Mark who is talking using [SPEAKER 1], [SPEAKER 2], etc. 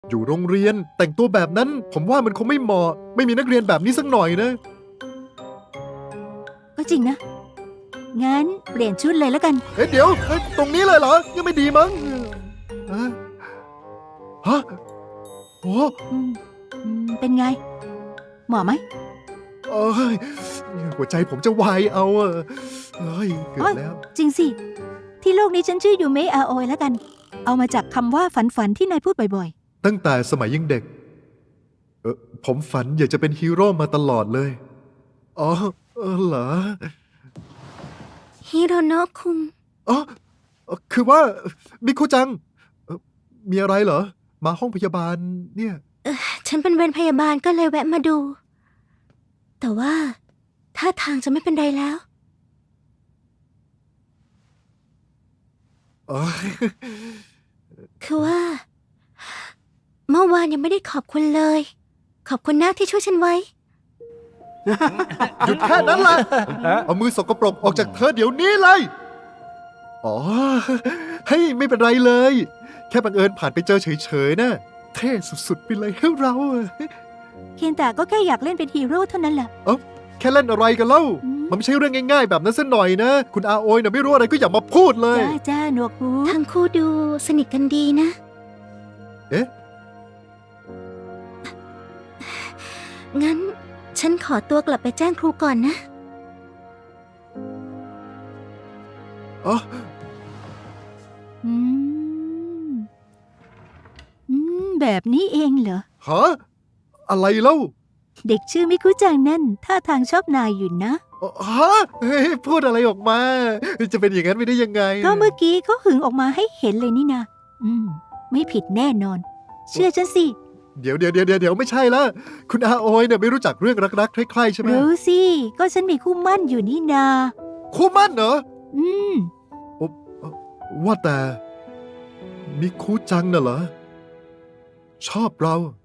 [SPEAKER 1] อยู่โรงเรียนแต่งตัวแบบนั้นผมว่ามันคงไม่เหมาะไม่มีนักเรียนแบบนี้สักหน่อยนะ
[SPEAKER 2] ก็จริงนะ งั้นเปลี่ยนชุดเลยแล้วกัน
[SPEAKER 1] เดี๋ยวตรงนี้เลยเหรอยังไม่ดีมั้งฮะฮะโอ้
[SPEAKER 2] อืมเป็นไง เหมาะไหม
[SPEAKER 1] เอ้ยหัวใจผมจะวายเอาเฮ้ยเกือบแล้ว
[SPEAKER 2] จริงสิ ที่โลกนี้ฉันชื่อยูเมะอาโอยแล้วกัน เอามาจากคำว่าฝันที่นายพูดบ่อย
[SPEAKER 1] ตั้งแต่สมัยยังเด็กผมฝันอยากจะเป็นฮีโร่มาตลอดเลยอ๋อเหรอ
[SPEAKER 3] ฮิโรโนะคุง
[SPEAKER 1] อ๋อคือว่ามิคุจังมีอะไรเหรอมาห้องพยาบาลเนี่ย
[SPEAKER 3] ฉันเป็นเวรพยาบาลก็เลยแวะมาดู แต่ว่าท่าทางจะไม่เป็นไรแล้ว
[SPEAKER 1] อ๋อ
[SPEAKER 3] คือว่า เมื่อวานยังไม่ได้ขอบคุณเลย ขอบคุณนะที่ช่วยฉันไว้
[SPEAKER 1] หยุดแค่นั้นแหละเอามือสกปรกออกจากเธอเดี๋ยวนี้เลย อ๋อเฮ้ยไม่เป็นไรเลย แค่บังเอิญผ่านไปเจอเฉยๆนะเท่สุดๆไปเลยให้เรา
[SPEAKER 2] ๆ เคียนตาก็แค่อยากเล่นเป็นฮีโร่เท่านั้นแหละ
[SPEAKER 1] แค่เล่นอะไรกันเล่า
[SPEAKER 2] อืม
[SPEAKER 1] มันไม่ใช่เรื่องง่ายๆแบบนั้นซะหน่อยนะ คุณอาโอยนะไม่รู้อะไรก็อย่ามาพูดเลย
[SPEAKER 2] จ้าหนวกหู
[SPEAKER 3] ทั้งคู่ดูสนิทกันดีนะ
[SPEAKER 1] เอ๊ะ
[SPEAKER 3] งั้น ฉันขอตัวกลับไปแจ้งครูก่อนนะ
[SPEAKER 1] อ๋อ
[SPEAKER 2] อืมแบบนี้เองเหรอ
[SPEAKER 1] ฮะอะไรเล่า
[SPEAKER 2] เด็กชื่อมิคุจังนั่นท่าทางชอบนายอยู่นะ
[SPEAKER 1] ฮะเฮ้ยพูดอะไรออกมา จะเป็นอย่างนั้นไม่ได้ยังไง
[SPEAKER 2] ก็เมื่อกี้เขาหึงออกมาให้เห็นเลยนี่นะไม่ผิดแน่นอน เชื่อฉันสิ
[SPEAKER 1] เดี๋ยวไม่ใช่ละคุณอาโอยเนี่ยไม่รู้จักเรื่องรักๆใคร่ๆใช่ไหม
[SPEAKER 2] รู้สิ ก็ฉันมีคู่มั่นอยู่นี่นา
[SPEAKER 1] คู่มั่นเหรอ
[SPEAKER 2] อืม
[SPEAKER 1] ว่าแต่มิคุจังน่ะเหรอ ชอบเรา